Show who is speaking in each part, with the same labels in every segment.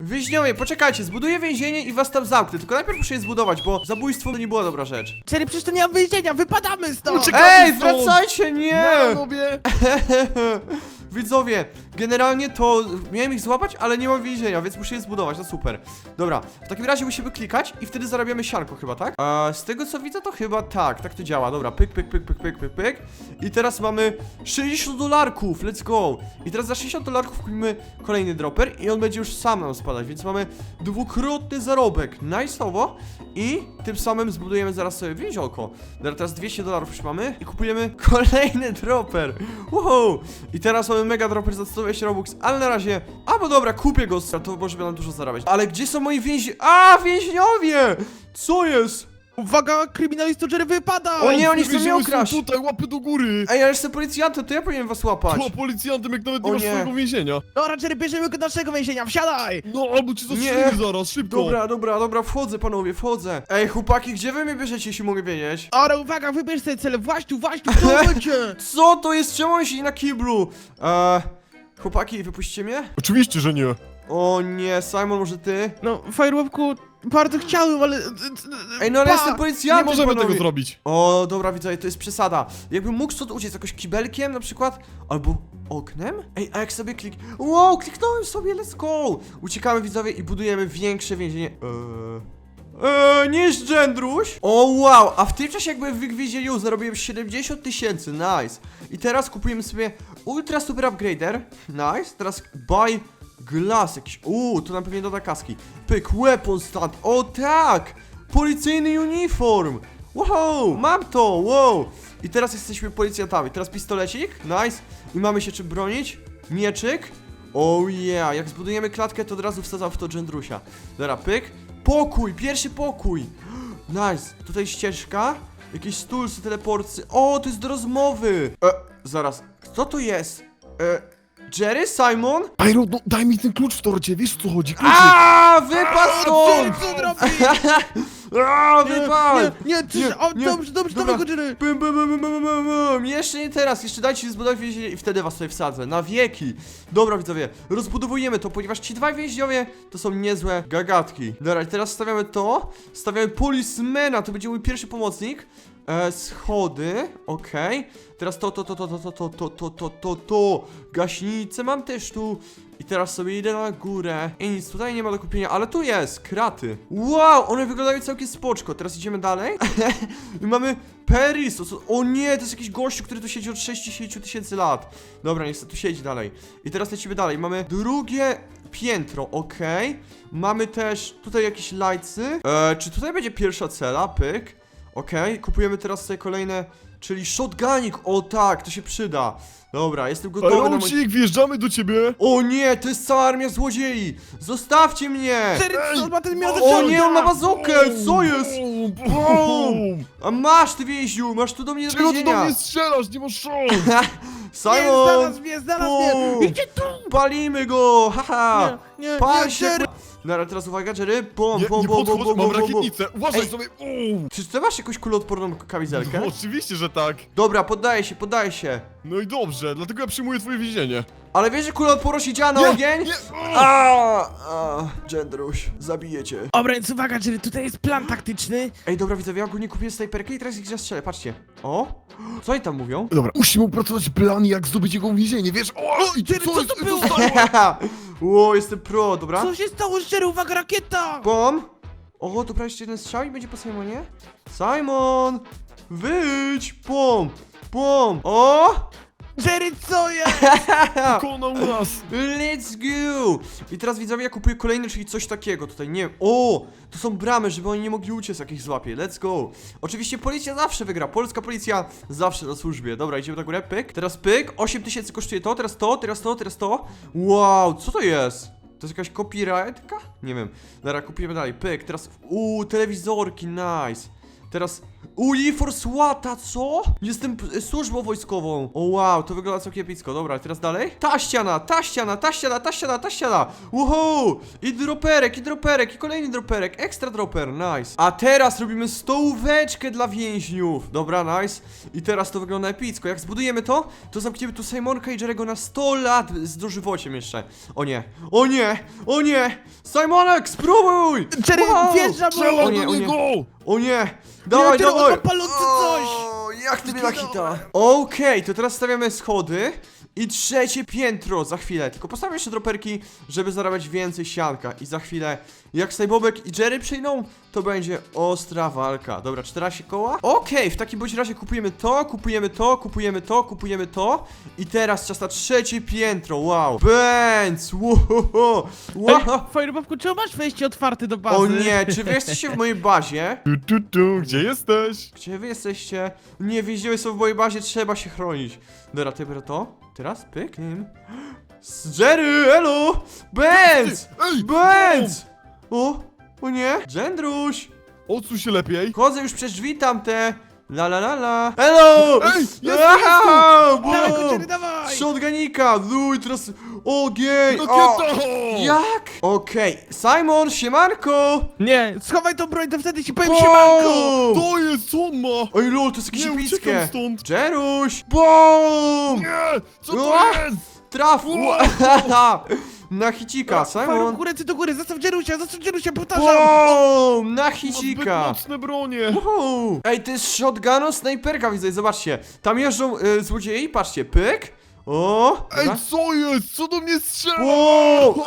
Speaker 1: Więźniowie, poczekajcie, zbuduję więzienie i was tam zamknę. Tylko najpierw muszę je zbudować, bo zabójstwo to nie była dobra rzecz.
Speaker 2: Jerry, przecież to nie ma wyjścia, wypadamy stąd!
Speaker 3: Uciekamy
Speaker 1: Ej,
Speaker 3: stąd!
Speaker 1: wracajcie, nie!
Speaker 3: Panowie!
Speaker 1: Widzowie, generalnie to miałem ich złapać, ale nie mam więzienia, więc muszę je zbudować, no super. Dobra, w takim razie musimy klikać i wtedy zarabiamy sianko chyba, tak? Z tego co widzę to chyba tak to działa, dobra, pyk, pyk, pyk, pyk, pyk, pyk, pyk. I teraz mamy 60 dolarków, let's go. I teraz za 60 dolarków kupimy kolejny dropper i on będzie już sam nam spadać, więc mamy dwukrotny zarobek, nice'owo. I tym samym zbudujemy zaraz sobie więziolko. Dobra, teraz 200 dolarów już mamy i kupujemy kolejny dropper. Wow! I teraz mamy mega dropper za 120 robux, ale na razie, bo dobra, kupię go, to może będą dużo zarabiać. Ale gdzie są moi więźniowie? Co jest?
Speaker 2: Uwaga, kryminalista Jerry wypada!
Speaker 1: O nie, oni chcą mnie
Speaker 3: Więźniowie są
Speaker 1: ukraść.
Speaker 3: tutaj, łapy do góry!
Speaker 1: Ej, ja jestem policjantem, to ja powinienem was łapać.
Speaker 3: To policjantem, jak nawet
Speaker 1: O
Speaker 3: nie masz
Speaker 1: nie.
Speaker 3: swojego więzienia.
Speaker 2: Dobra, Jerry, bierzemy go do naszego więzienia, wsiadaj!
Speaker 3: No, albo cię zastrzelimy zaraz, szybko!
Speaker 1: Dobra, wchodzę panowie, wchodzę. Ej, chłopaki, gdzie wy mnie bierzecie, jeśli mogę wiedzieć?
Speaker 2: Dobra, uwaga, wybierz sobie cel, właśnie tu, w to będzie!
Speaker 1: Co to jest? Czemu on siedzi na kiblu? Chłopaki, wypuśćcie mnie?
Speaker 3: Oczywiście, że nie.
Speaker 1: O nie, Simon, może ty?
Speaker 2: No, Firewalku, bardzo chciałem, ale...
Speaker 1: Ej, no ale
Speaker 2: Pa!
Speaker 1: jestem
Speaker 3: Nie
Speaker 1: policjantem,
Speaker 3: możemy
Speaker 1: panowie.
Speaker 3: tego zrobić.
Speaker 1: O, dobra, widzowie, to jest przesada. Jakbym mógł stąd uciec jakoś kibelkiem na przykład, albo oknem? Ej, a jak sobie Wow, kliknąłem sobie, let's go! Uciekamy, widzowie, i budujemy większe więzienie. Niż Gendruś. O, wow, a w tym czasie jakby w więzieniu zarobiłem 70 000, nice. I teraz kupujemy sobie ultra super upgrader, nice. Teraz buy glass jakiś, to nam pewnie doda kaski. Pyk, weapon stand, o tak! Policyjny uniform! Wow, mam to, wow! I teraz jesteśmy policjantami, teraz pistolecik, nice. I mamy się czym bronić, mieczyk. Oh yeah, jak zbudujemy klatkę, to od razu wsadzam w to Gendrusia. Dobra, pyk. Pokój, pierwszy pokój. Nice, tutaj ścieżka. Jakieś stulsy, teleporcy. O, to jest do rozmowy. Zaraz, kto to jest? Jerry? Simon?
Speaker 3: Pyro, no daj mi ten klucz w torcie, wiesz o co chodzi? Kluczyk.
Speaker 1: Wypadł
Speaker 2: Jerry,
Speaker 1: stąd!
Speaker 2: co robisz?
Speaker 1: Wypadł!
Speaker 2: Dobrze,
Speaker 1: Dobra.
Speaker 2: dawaj go, Jerry!
Speaker 1: Bum. Jeszcze nie teraz, jeszcze dajcie się zbudować więzienie i wtedy was sobie wsadzę, na wieki. Dobra, widzowie, rozbudowujemy to, ponieważ ci dwaj więźniowie to są niezłe gagatki. Dobra, i teraz stawiamy to, stawiamy policemana, to będzie mój pierwszy pomocnik. Schody, okej. Teraz to. Gaśnicę mam też tu. I teraz sobie idę na górę. I nic tutaj nie ma do kupienia, ale tu jest, kraty. Wow, one wyglądają całkiem spoczko. Teraz idziemy dalej. I mamy Peris. O nie, to jest jakiś gościu, który tu siedzi od 60 000 lat. Dobra, niestety tu siedzi dalej. I teraz lecimy dalej. Mamy drugie piętro, okej. Mamy też tutaj jakieś lajcy. Czy tutaj będzie pierwsza cela? Pyk. Okej, kupujemy teraz sobie kolejne, czyli shotgunik, o tak, to się przyda. Dobra, jestem gotowy na mój...
Speaker 3: Pyro, wjeżdżamy do ciebie.
Speaker 1: O nie, to jest cała armia złodziei! Zostawcie mnie!
Speaker 2: Jerry, co ma ten miał
Speaker 1: O nie, on ma bazookę, co jest?
Speaker 3: Bum.
Speaker 1: A masz ty więźniu, masz tu do mnie do
Speaker 3: Czego ty do
Speaker 1: więzienia.
Speaker 3: mnie strzelasz? Nie masz szans.
Speaker 1: Simon,
Speaker 2: znalazł mnie!
Speaker 1: Bum.
Speaker 2: Idzie tu!
Speaker 1: palimy go, haha!
Speaker 2: Nie,
Speaker 1: Pal się!
Speaker 2: Jerry!
Speaker 1: Dobra, teraz uwaga, Jerry, bom,
Speaker 3: Nie,
Speaker 1: bom,
Speaker 3: nie
Speaker 1: bom, bom,
Speaker 3: podchodź,
Speaker 1: bom,
Speaker 3: mam
Speaker 1: bom, bom.
Speaker 3: rakietnicę. Uważaj
Speaker 1: Ej.
Speaker 3: sobie.
Speaker 1: Czy ty masz jakąś kuloodporną kamizelkę?
Speaker 3: No, oczywiście, że tak.
Speaker 1: Dobra, poddaję się.
Speaker 3: No i dobrze, dlatego ja przyjmuję twoje więzienie.
Speaker 1: Ale wiesz, że kuloodporność nie działa na
Speaker 3: Nie,
Speaker 1: ogień?
Speaker 3: nie.
Speaker 1: Gendruś, zabiję cię.
Speaker 2: Dobra, więc uwaga, Jerry, tutaj jest plan taktyczny.
Speaker 1: Ej, dobra, widzowie, ja ogólnie kupiłem snajperkę i teraz ich zastrzelę, patrzcie. O, co oni tam mówią?
Speaker 3: Dobra, musimy opracować plan, jak zdobyć jego więzienie, wiesz? O, i
Speaker 2: Jerry, co to było?
Speaker 1: Ło, jestem pro, dobra.
Speaker 2: Co się stało z Jerry? Uwaga, rakieta!
Speaker 1: Bom. O, dobra, jeszcze jeden strzał i będzie po Simonie. Simon! Wyjdź! Pom! O!
Speaker 2: Jerry, co jest?
Speaker 3: Konał nas.
Speaker 1: Let's go! I teraz widzowie, ja kupuję kolejny, czyli coś takiego tutaj, nie wiem. O! To są bramy, żeby oni nie mogli uciec, jak ich złapie. Let's go! Oczywiście policja zawsze wygra. Polska policja zawsze na służbie. Dobra, idziemy na górę. Pyk. Teraz pyk. 8000 kosztuje to, teraz to. Wow, co to jest? To jest jakaś copyrightka? Nie wiem. Dobra, kupujemy dalej. Pyk. Teraz, telewizorki, nice. Teraz, Uniform SWAT-a, co? Jestem służbą wojskową. O wow, to wygląda całkiem epicko. Dobra, teraz dalej. Ta ściana, ta ściana, ta ściana, ta ściana, ta ściana. Wow! I droperek, i kolejny droperek. Ekstra dropper, nice. A teraz robimy stołóweczkę dla więźniów. Dobra, nice. I teraz to wygląda epicko. Jak zbudujemy to, to zamkniemy tu Simonka i Jerry'ego na 100 lat z dożywociem jeszcze. O nie, o nie, o nie! Simonek, spróbuj!
Speaker 2: Jerry,
Speaker 1: Wow!
Speaker 2: wjeżdża mu!
Speaker 3: Strzelam
Speaker 1: O nie,
Speaker 3: do
Speaker 1: o nie.
Speaker 3: niego!
Speaker 1: O nie! Dawaj,
Speaker 2: Jerry, on
Speaker 1: dawaj!
Speaker 2: ma palący coś!
Speaker 1: O, jak ty mnie na hita? Okej, to teraz stawiamy schody i trzecie piętro za chwilę. Tylko postawmy jeszcze droperki, żeby zarabiać więcej sianka. I za chwilę, jak Sajbobek i Jerry przyjdą, to będzie ostra walka. Dobra, 14 koła? Okej, w takim bądź razie kupujemy to, kupujemy to, kupujemy to, kupujemy to. I teraz czas na trzecie piętro, wow. Benz, wow.
Speaker 2: Firebobku, czemu masz wejście otwarte do bazy?
Speaker 1: O nie, czy wy jesteście w mojej bazie?
Speaker 3: Gdzie jesteś?
Speaker 1: Gdzie wy jesteście? Nie, więźniowie są w mojej bazie, trzeba się chronić. Dobra, ty biorę to. Teraz pyknij. Jerry, elo! Benz!
Speaker 3: Ej!
Speaker 1: Benz! O nie! Gendruś!
Speaker 3: Odsuń się lepiej.
Speaker 1: Chodzę już przez drzwi tamte. La la la la. Elo!
Speaker 3: Ej, jest
Speaker 1: Aha!
Speaker 2: Dawaj,
Speaker 1: Wow!
Speaker 2: Jerry, dawaj!
Speaker 1: Shotgunika! No i teraz ogień! O!
Speaker 3: Rakieta!
Speaker 1: Jak? Okej, Simon, siemanko!
Speaker 2: Nie, schowaj tą broń, to wtedy ci powiem siemanko!
Speaker 1: Boom!
Speaker 3: To jest, co on ma?
Speaker 1: Oj lol, to jest jakieś
Speaker 3: Nie,
Speaker 1: epickie!
Speaker 3: uciekam stąd.
Speaker 1: Jeruś! BOOM!
Speaker 3: Nie! Co to
Speaker 1: Ua!
Speaker 3: jest?
Speaker 1: Traf!
Speaker 3: Wow!
Speaker 1: Na hicika, Simon!
Speaker 2: Firebobku, ręce do góry, zostaw Jerrysia, powtarzam!
Speaker 1: BOOM! Na
Speaker 3: Ma zbyt
Speaker 1: hicika!
Speaker 3: mocne bronie.
Speaker 1: Wow. Ej, to jest shotgunu snajperka, widzę, zobaczcie. Tam jeżdżą złodziei, patrzcie, pyk. O!
Speaker 3: Ej,
Speaker 1: dobra.
Speaker 3: co jest? Co do mnie strzela?
Speaker 1: Wow!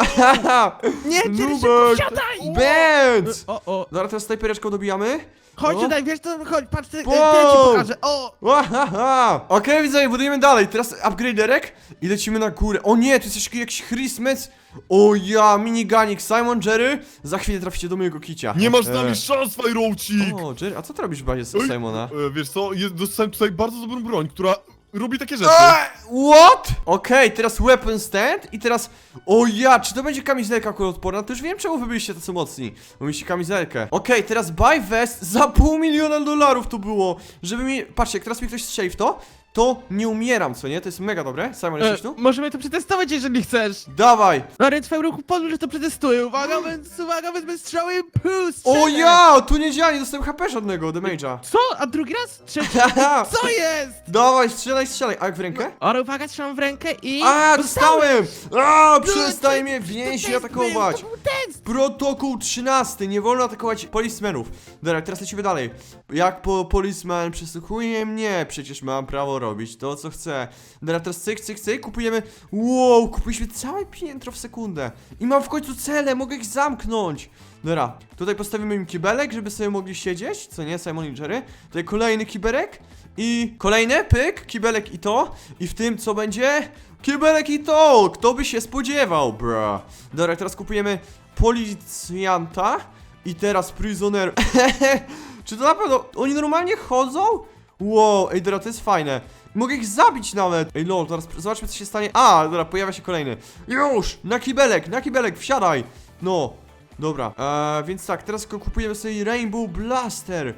Speaker 2: Nie, Jerry, szybko
Speaker 1: Nubek!
Speaker 2: wsiadaj!
Speaker 1: Benz!
Speaker 2: O,
Speaker 1: Dobra, teraz snajpereczką dobijamy.
Speaker 2: chodź
Speaker 1: O.
Speaker 2: tutaj, wiesz co, chodź, patrz, to ja ci
Speaker 1: Wow.
Speaker 2: pokażę, o!
Speaker 1: Wahaha! Okej, widzowie, budujemy dalej. Teraz upgraderek i lecimy na górę. O nie, tu jest jeszcze jakiś Christmas. O ja, miniganik, Simon, Jerry. Za chwilę traficie do mojego kicia.
Speaker 3: Nie masz z nami szans, Fajrocik!
Speaker 1: O, Jerry, a co ty robisz w bazie z
Speaker 3: Oj,
Speaker 1: Simona?
Speaker 3: Wiesz co, dostałem tutaj bardzo dobrą broń, która robi takie rzeczy.
Speaker 1: What? Okej, teraz weapon stand i teraz... O ja, czy to będzie kamizelka kuloodporna? To już wiem, czemu wy byliście tacy mocni. Bo mieliście kamizelkę. Okej, teraz buy vest za $500,000 to było. Żeby mi... Patrzcie, jak teraz mi ktoś strzeli w to nie umieram, co nie? To jest mega dobre. Simon, jesteś tu?
Speaker 2: Możemy to przetestować, jeżeli chcesz.
Speaker 1: Dawaj!
Speaker 2: No więc Firebobku, pozwól, że to przetestuję. Uwaga, wezmę strzały i puh,
Speaker 1: O
Speaker 2: strzelę.
Speaker 1: ja, tu nie działa, nie dostałem HP żadnego, damage'a.
Speaker 2: Co? A drugi raz? Trzeci? Co jest?
Speaker 1: Dawaj, strzelaj. A jak w rękę?
Speaker 2: Ale uwaga, trzymam w rękę i...
Speaker 1: A, dostałem! A, przestań
Speaker 2: to-
Speaker 1: mnie
Speaker 2: to
Speaker 1: więźni
Speaker 2: test
Speaker 1: atakować!
Speaker 2: był, to był test!
Speaker 1: Protokół 13. Nie wolno atakować policemenów. Dobra, teraz lecimy dalej. Jak policeman przesłuchuje mnie, przecież mam prawo robić to, co chcę. Dobra, teraz cyk. Kupujemy... Wow, kupiliśmy całe piętro w sekundę. I mam w końcu cele, mogę ich zamknąć. Dobra, tutaj postawimy im kibelek, żeby sobie mogli siedzieć. Co nie, Simon i Jerry? Tutaj kolejny kiberek. I kolejny, pyk, kibelek i to. I w tym co będzie? Kibelek i to! Kto by się spodziewał, bro? Dobra, teraz kupujemy policjanta. I teraz prisoner. Czy to na pewno... Oni normalnie chodzą? Wow, ej, dobra, to jest fajne. Mogę ich zabić nawet. Ej, lol, teraz zobaczmy, co się stanie. A, dobra, pojawia się kolejny. Już! Na kibelek, wsiadaj! No, dobra. Więc tak, teraz kupujemy sobie Rainbow Blaster.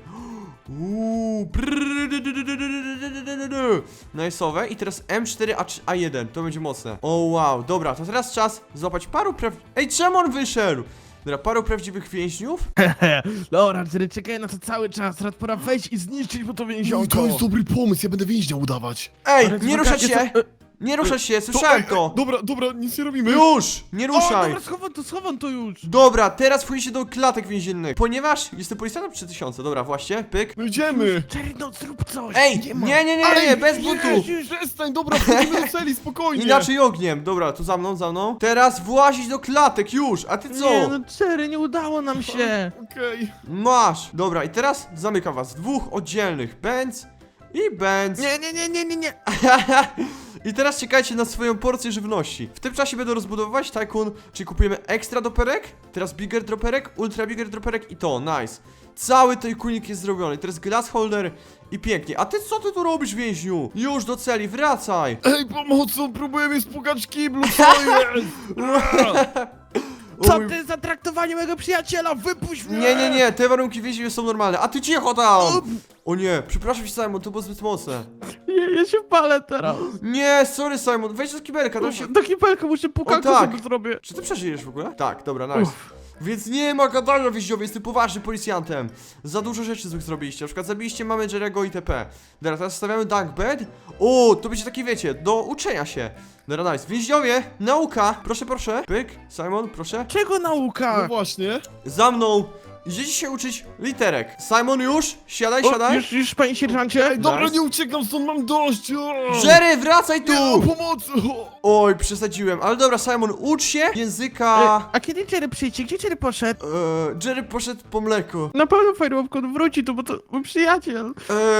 Speaker 1: Nice'owe. I teraz M4A1, to będzie mocne. O wow, dobra, to teraz czas złapać paru Ej, czemu on wyszedł? Dobra, paru prawdziwych więźniów.
Speaker 2: Dobra, Jerry, czekaj na to cały czas. Teraz pora wejść i zniszczyć mu to więzionko.
Speaker 3: To jest dobry pomysł, ja będę więźnia udawać.
Speaker 1: Ej,
Speaker 2: Ale
Speaker 1: nie
Speaker 2: to
Speaker 1: ruszać się!
Speaker 2: takie
Speaker 1: Nie ruszać się, słyszałem to!
Speaker 3: Dobra, nic nie robimy.
Speaker 1: Już! Nie
Speaker 2: O,
Speaker 1: ruszaj!
Speaker 2: dobra, schowam to już.
Speaker 1: Dobra, teraz wchodzicie do klatek więziennych. Ponieważ jestem policjantem 3000, dobra, właśnie, pyk.
Speaker 3: No idziemy.
Speaker 2: Jerry, no zrób coś.
Speaker 1: Ej,
Speaker 2: ma.
Speaker 1: nie, bez buntu!
Speaker 3: Przestań, dobra, wchodzimy do celi, spokojnie.
Speaker 1: Inaczej ogniem, dobra, tu za mną. Teraz włazić do klatek, już, a ty co?
Speaker 2: Nie, no Jerry, nie udało nam się.
Speaker 3: Okej.
Speaker 1: Masz! Dobra, i teraz zamykam was, dwóch oddzielnych, Benz i Benz.
Speaker 2: Nie.
Speaker 1: I teraz czekajcie na swoją porcję żywności. W tym czasie będę rozbudowywać Tycoon, czyli kupujemy ekstra doperek, teraz bigger droperek, ultra bigger droperek i to, nice. Cały Tycoonik jest zrobiony, teraz glass holder i pięknie. A ty co ty tu robisz, więźniu? Już do celi, wracaj!
Speaker 3: Ej, pomocą, próbuję mnie spłukać w kiblu, co jest?
Speaker 2: Co
Speaker 1: Oj,
Speaker 2: ty za traktowanie mojego przyjaciela? Wypuść mnie!
Speaker 1: Nie, te warunki więzienia są normalne. A ty cicho tam! O nie, przepraszam cię, Simon, to było zbyt mocne.
Speaker 2: Ja się palę teraz.
Speaker 1: Nie, sorry, Simon, wejdź do kibelka, tam się...
Speaker 2: Do kibelka muszę pukankę
Speaker 1: tak.
Speaker 2: sobie zrobię.
Speaker 1: Czy ty przeżyjesz w ogóle? Tak, dobra, nice. Więc nie ma gadania, więźniowie, jestem poważnym policjantem. Za dużo rzeczy złych zrobiliście, na przykład zabiliście mamy Jerry'ego itp. Dobra, teraz stawiamy dunk bed. O, to będzie takie, wiecie, do uczenia się. Dobra, nice. Więźniowie, nauka, proszę, proszę. Pyk, Simon, proszę.
Speaker 2: Czego
Speaker 3: No
Speaker 2: nauka?
Speaker 3: właśnie.
Speaker 1: Za mną. Idziecie się uczyć literek. Simon, już? Siadaj,
Speaker 2: O,
Speaker 1: siadaj.
Speaker 2: już, panie sierżancie?
Speaker 3: Ej, dobra,
Speaker 1: Nice.
Speaker 3: nie uciekam stąd, mam dość. O!
Speaker 1: Jerry, wracaj tu!
Speaker 3: Nie, pomocy. O!
Speaker 1: Oj, przesadziłem, ale dobra, Simon, ucz się języka...
Speaker 2: A kiedy Jerry przyjdzie? Gdzie Jerry poszedł?
Speaker 1: Jerry poszedł po mleko.
Speaker 2: Na pewno Firewalk wróci tu, bo to mój przyjaciel.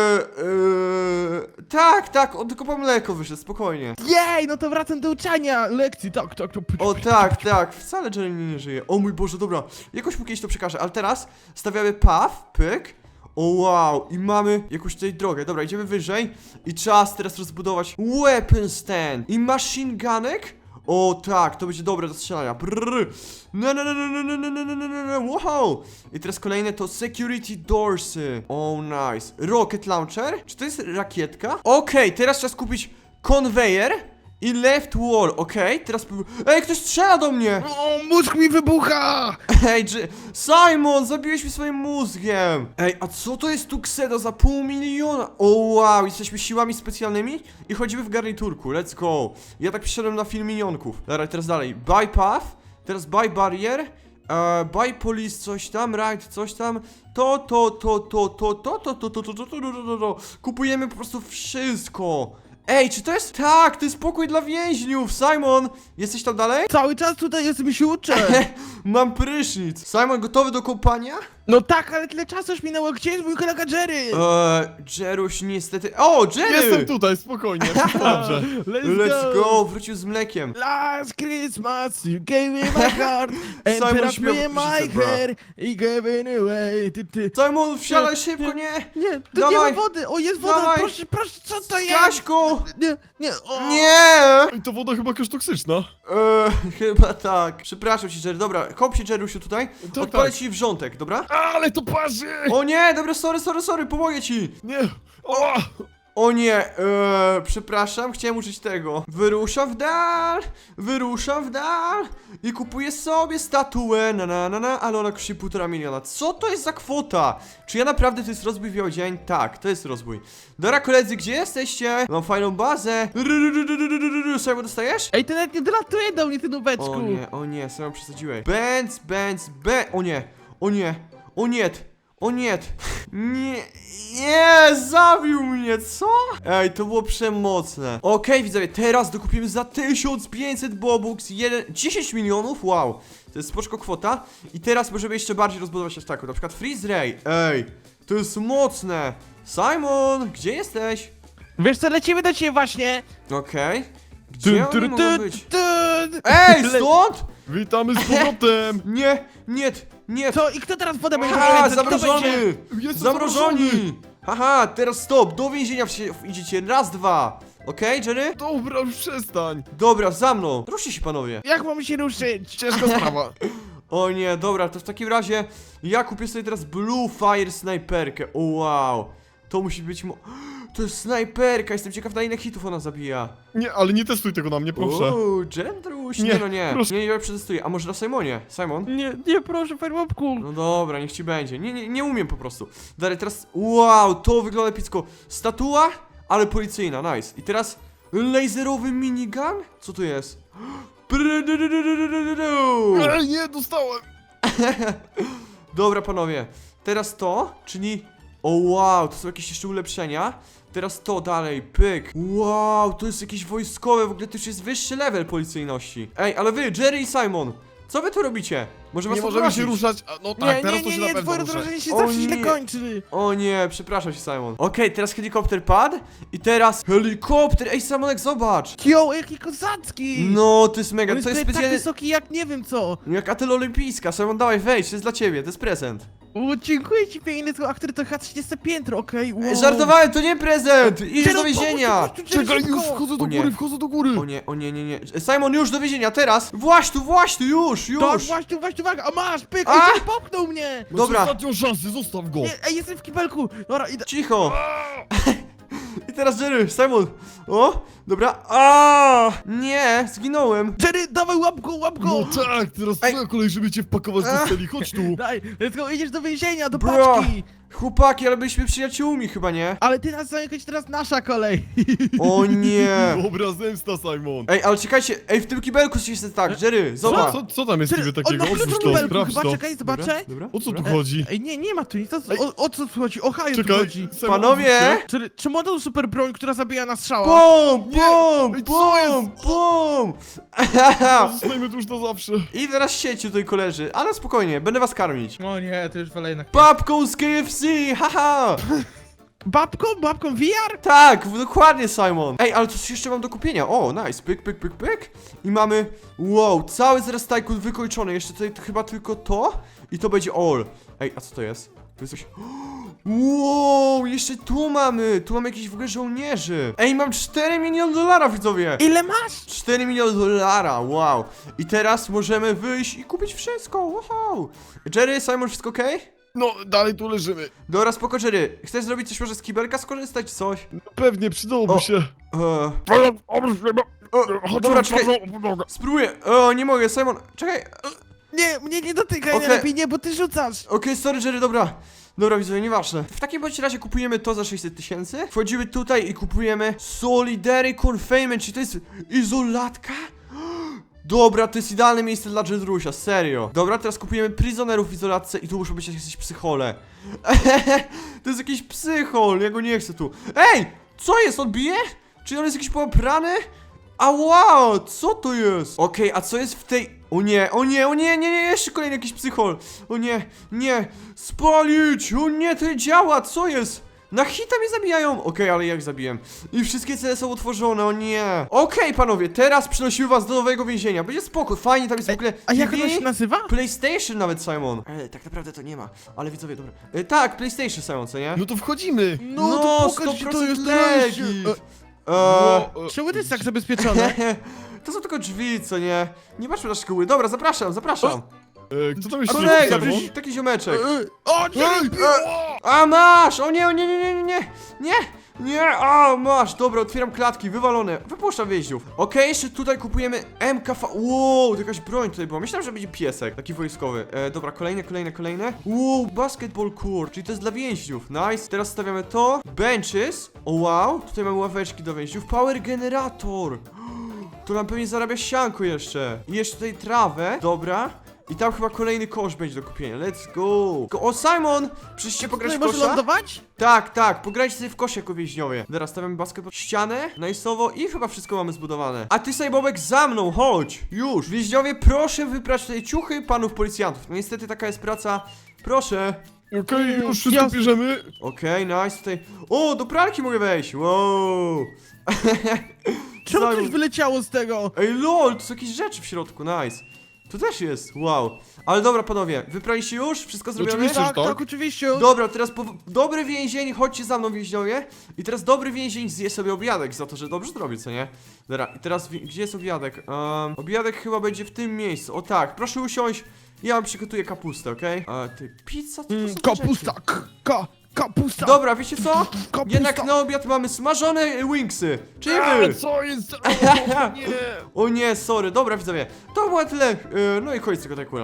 Speaker 1: Tak, on tylko po mleko wyszedł, spokojnie.
Speaker 2: Jej, no to wracam do uczenia lekcji. Tak.
Speaker 1: O tak, wcale Jerry nie żyje. O mój Boże, dobra, jakoś mu kiedyś to przekażę, ale teraz stawiamy path, pyk. O wow, i mamy jakąś tutaj drogę. Dobra, idziemy wyżej i czas teraz rozbudować weapon stand i machine gunek. O tak, to będzie dobre do strzelania. Brrr. Wow. I teraz kolejne to security doorsy. O nice. Rocket launcher? Czy to jest rakietka? Okej, teraz czas kupić conveyor i left wall, okej, teraz... Ej, ktoś strzela do mnie!
Speaker 2: O, mózg mi wybucha!
Speaker 1: Ej, Simon, zabiłeś mi swoim mózgiem! Ej, a co to jest Tuxedo za $500 000? O wow, jesteśmy siłami specjalnymi i chodzimy w garniturku, let's go. Ja tak przyszedłem na film minionków. Dobra, teraz dalej, buy path, teraz buy barrier, buy police, coś tam, right, coś tam. Kupujemy po prostu wszystko. Ej, czy to jest... Tak, to jest pokój dla więźniów! Simon, jesteś tam dalej?
Speaker 2: Cały czas tutaj jestem i się uczę.
Speaker 1: Mam prysznic. Simon, gotowy do kąpania?
Speaker 2: No tak, ale tyle czasu już minęło. Gdzie jest mój kolega Jerry?
Speaker 1: Jeruś niestety... O, Jerry!
Speaker 3: Jestem tutaj, spokojnie, wszystko dobrze.
Speaker 1: Let's go, wrócił z mlekiem.
Speaker 2: Last Christmas you gave me my heart and
Speaker 1: Simon
Speaker 2: teraz
Speaker 1: śpiewa
Speaker 2: me my
Speaker 1: piosenkę, bro.
Speaker 2: hair i gave it away. Ty.
Speaker 1: Simon, wsiadaj szybko, nie!
Speaker 2: Nie, tu
Speaker 1: Dawaj.
Speaker 2: nie ma wody. O, jest woda.
Speaker 1: Dawaj.
Speaker 2: Proszę, co to jest?
Speaker 1: Kaśku!
Speaker 2: Nie, o.
Speaker 1: Nie!
Speaker 3: Ej, to woda chyba jakaś toksyczna.
Speaker 1: Chyba tak. Przepraszam cię, Jerry. Dobra, kop się, Jerusiu, tutaj.
Speaker 3: Tak,
Speaker 1: Odpalę
Speaker 3: tak.
Speaker 1: ci wrzątek, dobra?
Speaker 3: Ale to parzy!
Speaker 1: O nie, dobra, sorry, pomogę ci.
Speaker 3: Nie! O!
Speaker 1: O nie, przepraszam, chciałem użyć tego. Wyruszam w dal i kupuję sobie statuę, ale ona kosztuje $1,5 miliona. Co to jest za kwota? Czy ja naprawdę to jest rozbój w biały dzień? Tak, to jest rozbój. Dobra, koledzy, gdzie jesteście? Mam fajną bazę. Simon, dostajesz?
Speaker 2: Ej, ty nawet nie dolatuje do mnie, ty nubeczku.
Speaker 1: O nie, Simon, przesadziłeś. O nie, nie, zabił mnie, co? Ej, to było przemocne. Okej, widzowie, teraz dokupimy za 1500 bobux 10 milionów, wow. To jest spoczko kwota. I teraz możemy jeszcze bardziej rozbudować aż taką, na przykład freeze ray. Ej, to jest mocne. Simon, gdzie jesteś?
Speaker 2: Wiesz co, lecimy do ciebie właśnie.
Speaker 1: Okej. Gdzie oni mogą być?
Speaker 2: Tun.
Speaker 1: Ej, stąd?
Speaker 3: Witamy z powrotem!
Speaker 1: Nie.
Speaker 2: Co, i kto teraz wodę będzie
Speaker 1: Haha,
Speaker 2: kręcać? Kto będzie?
Speaker 1: zamrożony!
Speaker 3: Jestem
Speaker 1: Zamrożoni! Haha, teraz stop, do więzienia idziecie, raz, dwa. Okej, Jerry?
Speaker 3: Dobra, już przestań.
Speaker 1: Dobra, za mną. Ruszcie się, panowie.
Speaker 2: Jak mamy się ruszyć?
Speaker 3: Ciężka sprawa.
Speaker 1: O nie, dobra, to w takim razie ja kupię sobie teraz Blue Fire snajperkę. O wow, to musi być to jest snajperka, jestem ciekaw, na ile hitów ona zabija.
Speaker 3: Nie, ale nie testuj tego na mnie, proszę.
Speaker 1: Uuu, Jendruś,
Speaker 3: Nie,
Speaker 1: nie.
Speaker 3: proszę.
Speaker 1: Nie, przetestuję. A może na Simonie? Simon?
Speaker 2: Nie, proszę, Firewalku.
Speaker 1: No dobra, niech ci będzie. Nie umiem po prostu. Dalej, teraz, wow, to wygląda epicko. Statua, ale policyjna, nice. I teraz laserowy minigun? Co to jest?
Speaker 3: Ej, nie, dostałem.
Speaker 1: Dobra, panowie. Teraz to, czyli... O wow, to są jakieś jeszcze ulepszenia. Teraz to dalej, pyk. Wow, to jest jakieś wojskowe, w ogóle to już jest wyższy level policyjności. Ej, ale wy, Jerry i Simon, co wy tu robicie? Może was
Speaker 3: Nie możemy się
Speaker 1: odmrozić?
Speaker 3: ruszać. A, no tak, teraz to się na
Speaker 2: nie,
Speaker 3: pewno
Speaker 2: twoje
Speaker 3: ruszę.
Speaker 2: rozdrażnienie się
Speaker 1: O
Speaker 2: zawsze
Speaker 1: nie.
Speaker 2: źle kończy.
Speaker 1: O nie, przepraszam się, Simon. Okej, teraz helikopter padł i teraz helikopter. Ej, Simonek, zobacz.
Speaker 2: Kio, jaki kozacki.
Speaker 1: No, to jest mega,
Speaker 2: On
Speaker 1: to jest
Speaker 2: tak
Speaker 1: specjalnie
Speaker 2: wysoki jak nie wiem co.
Speaker 1: jak atel olimpijska. Simon, dawaj, wejdź, to jest dla ciebie, to jest prezent.
Speaker 2: O, dziękuję ci piękny, a który to chyba 30 piętro, okej, wow.
Speaker 1: Żartowałem, to nie prezent! Idziesz
Speaker 2: Jerry,
Speaker 1: do więzienia!
Speaker 2: pomóż tu, Jerry,
Speaker 3: Czekaj,
Speaker 2: szybko.
Speaker 3: już wchodzę do
Speaker 1: O nie.
Speaker 3: góry, wchodzę do góry.
Speaker 1: O nie, o nie, nie, nie. Simon, już do więzienia, teraz! Właśnie tu, już!
Speaker 2: Tak, właśnie, uwaga, a masz, pyk,
Speaker 1: A!
Speaker 2: Jerry popchnął mnie!
Speaker 3: Masz
Speaker 1: Dobra.
Speaker 3: ostatnią szansę, zostaw go.
Speaker 2: Nie, ej, jestem w kibelku, dobra, idę.
Speaker 1: Cicho! I teraz Jerry, Simon! O! Dobra. A! Nie, zginąłem!
Speaker 2: Jerry, dawaj, łap go!
Speaker 3: No tak, teraz
Speaker 1: Ej.
Speaker 3: twoja kolej, żeby cię wpakować do celi, chodź tu.
Speaker 2: Daj, let's go, idziesz do więzienia, do
Speaker 1: Bro.
Speaker 2: paczki!
Speaker 1: Chłopaki, ale byliśmy przyjaciółmi chyba, nie?
Speaker 2: Ale ty nas zamykać, teraz nasza kolej!
Speaker 1: O nie!
Speaker 3: Dobra, zemsta, Simon.
Speaker 1: Ej, ale czekajcie, ej, w tym kibelku się jest tak, Jerry, zobacz!
Speaker 3: Co tam jest
Speaker 2: Jerry,
Speaker 3: niby
Speaker 2: on
Speaker 3: takiego?
Speaker 2: ma klucz
Speaker 3: Otwórz
Speaker 2: do
Speaker 3: to,
Speaker 2: kibelku,
Speaker 3: sprawdź
Speaker 2: chyba,
Speaker 3: to.
Speaker 2: czekaj, zobaczę.
Speaker 1: Dobra,
Speaker 3: O co tu
Speaker 1: dobra.
Speaker 3: chodzi?
Speaker 2: Ej, nie ma tu nic, o co tu chodzi? O haju tu
Speaker 3: Czekaj,
Speaker 2: chodzi!
Speaker 3: Simon,
Speaker 1: Panowie!
Speaker 2: Jerry, czy ma tą super broń, która zabija na strzała?
Speaker 1: Bum,
Speaker 3: Nie!
Speaker 1: bum,
Speaker 3: Ej, co
Speaker 1: bum, bum!
Speaker 3: Zostajmy tu już na zawsze.
Speaker 1: I teraz sieci tutaj koleży, ale spokojnie, będę was karmić.
Speaker 2: O nie, to już wolę jednak.
Speaker 1: Babką z KFC, haha!
Speaker 2: Babką VR?
Speaker 1: Tak, dokładnie, Simon. Ej, ale coś jeszcze mam do kupienia. O, nice, pyk, pyk, pyk, pyk. I mamy, wow, cały zaraz Tycoon wykończony. Jeszcze tutaj chyba tylko to i to będzie all. Ej, a co to jest? To jest coś... Wow, jeszcze tu mamy jakieś w ogóle żołnierzy. Ej, mam 4 miliony dolarów, widzowie.
Speaker 2: Ile masz?
Speaker 1: 4 miliony dolara, wow. I teraz możemy wyjść i kupić wszystko, wow. Jerry, Simon, wszystko okej?
Speaker 3: No, dalej tu leżymy.
Speaker 1: Dobra, spoko, Jerry. Chcesz zrobić coś może z kibelka skorzystać, coś?
Speaker 3: No, pewnie, przydałoby
Speaker 1: O.
Speaker 3: się.
Speaker 1: Dobra, czekaj. Spróbuję. O, nie mogę, Simon. Czekaj.
Speaker 2: Nie, mnie nie dotykaj,
Speaker 1: Okej.
Speaker 2: najlepiej nie, bo ty rzucasz.
Speaker 1: Okej, sorry, Jerry, dobra. Dobra, widzowie, nieważne. W takim bądź razie kupujemy to za 600 000. Wchodzimy tutaj i kupujemy Solidary Confinement, czyli to jest izolatka? Dobra, to jest idealne miejsce dla Jedrusia, serio. Dobra, teraz kupujemy prisonerów w izolatce i tu muszą być jakieś psychole. To jest jakiś psychol, ja go nie chcę tu. Ej! Co jest? On bije? Czy on jest jakiś poprany? A wow, co to jest? Okej, a co jest w tej... O nie, o nie, o nie, nie, nie, jeszcze kolejny jakiś psychol. O nie, nie, spalić, o nie, to nie działa, co jest? Na hita mnie zabijają! Okej, ale jak zabiłem? I wszystkie cele są otworzone, o nie! Okej, panowie, teraz przynosimy was do nowego więzienia. Będzie spoko, fajnie, tam jest w ogóle
Speaker 2: A jak
Speaker 1: TV,
Speaker 2: ono się nazywa?
Speaker 1: PlayStation nawet, Simon. Tak naprawdę to nie ma, ale widzowie, dobra. Tak, PlayStation, Simon, co nie?
Speaker 3: No to wchodzimy.
Speaker 2: No to pokaż, gdzie to
Speaker 1: 100%
Speaker 2: jest
Speaker 1: legit.
Speaker 2: legit. Czemu to jest tak zabezpieczone?
Speaker 1: To są tylko drzwi, co nie? Nie patrzmy na szkoły. Dobra, zapraszam, zapraszam.
Speaker 3: Kto tam jeszcze
Speaker 1: Kolega,
Speaker 3: jest?
Speaker 1: przecież taki ziomeczek.
Speaker 2: O, nie!
Speaker 1: A masz! O nie, o nie, nie, nie, nie, nie, nie, nie, a masz, dobra, otwieram klatki, wywalone, wypuszczam więźniów. Okej, jeszcze tutaj kupujemy MKV, wow, to jakaś broń tutaj była, myślałem, że będzie piesek, taki wojskowy. Dobra, kolejne, wow, basketball court, czyli to jest dla więźniów, nice. Teraz stawiamy to, benches, o wow, tutaj mamy ławeczki do więźniów, power generator. To nam pewnie zarabia sianko jeszcze. I jeszcze tutaj trawę, dobra. I tam chyba kolejny kosz będzie do kupienia. Let's go! O, Simon! Przyszliście pograć w
Speaker 2: Tutaj może
Speaker 1: kosza?
Speaker 2: lądować?
Speaker 1: Tak, pograjcie sobie w kosz jako więźniowie. Teraz stawiamy basketball, ścianę, nice'owo i chyba wszystko mamy zbudowane. A ty, Sajbobek, za mną, chodź! Już! Więźniowie, proszę wyprać tutaj ciuchy panów policjantów. No niestety taka jest praca. Proszę.
Speaker 3: Okej, już wszystko bierzemy.
Speaker 1: Okej, nice, tutaj... O, do pralki mogę wejść, wow!
Speaker 2: Czemu
Speaker 1: Simon.
Speaker 2: coś wyleciało z tego?
Speaker 1: Ej, lol, to są jakieś rzeczy w środku, nice. Tu też jest, wow. Ale dobra, panowie, wypraliście już? Wszystko zrobione?
Speaker 3: Oczywiście.
Speaker 2: Tak,
Speaker 3: tak?
Speaker 2: tak, oczywiście.
Speaker 1: Dobra, teraz dobry więzień, chodźcie za mną, więźniowie. I teraz dobry więzień zje sobie obiadek za to, że dobrze zrobił, co nie? Dobra, i teraz gdzie jest obiadek? Obiadek chyba będzie w tym miejscu. O tak, proszę usiąść. Ja wam przygotuję kapustę, okej? Ty, pizza? Co to są te
Speaker 2: Kapusta,
Speaker 1: rzeczy?
Speaker 2: kapusta.
Speaker 1: Dobra, wiecie co?
Speaker 2: Kapusta.
Speaker 1: Jednak na obiad mamy smażone wingsy. Czyli
Speaker 3: A,
Speaker 1: wy.
Speaker 3: co jest? O, nie.
Speaker 1: O nie, sorry, dobra widzowie. To było tyle. No i koniec tego Tycoona.